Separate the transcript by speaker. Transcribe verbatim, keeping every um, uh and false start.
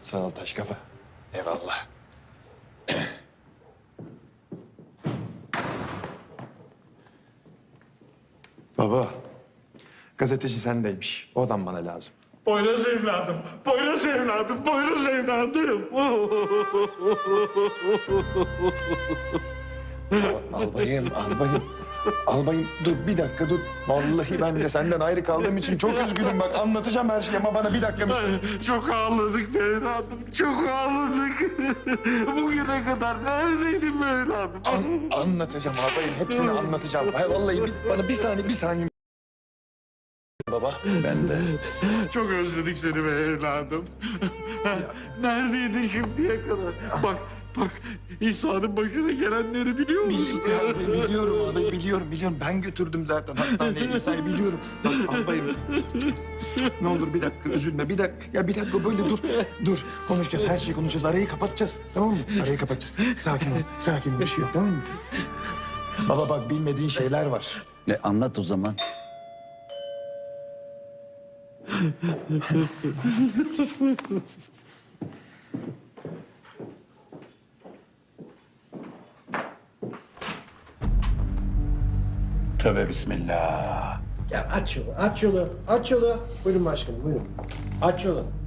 Speaker 1: Sağ ol taş kafa. Eyvallah. Baba, gazeteci sendeymiş. O adam bana lazım.
Speaker 2: Poyraz evladım, Poyraz evladım, Poyraz evladım.
Speaker 1: Albayım, albayım. Albayım dur bir dakika dur. Vallahi ben de senden ayrı kaldığım için çok üzgünüm bak. Anlatacağım her şeyi ama bana bir dakika müsaade.
Speaker 2: Çok ağladık be evladım, çok ağladık. Bugüne kadar neredeydin be evladım?
Speaker 1: An- anlatacağım albayım. Hepsini anlatacağım. Hayır, vallahi bir, bana bir saniye, bir saniye. Baba. Ben de.
Speaker 2: Çok özledik seni be evladım. Neredeydin şimdiye kadar? Bak, bak İsa'nın başına gelenleri biliyor musun?
Speaker 1: Biliyorum, biliyorum abi, biliyorum, biliyorum. Ben götürdüm zaten hastaneye İsa'yı biliyorum. Bak albayım. Ne olur bir dakika üzülme, bir dakika. Ya bir dakika böyle dur, dur. Konuşacağız, her şeyi konuşacağız. Arayı kapatacağız, tamam mı? Arayı kapatacağız. Sakin ol, sakin ol. Bir şey yok, tamam mı? Baba bak bilmediğin şeyler var.
Speaker 3: E, anlat o zaman. Tövbe bismillah.
Speaker 4: Ya aç yolu, aç yolu, aç yolu. Buyurun başkanım, buyurun. Aç yolu.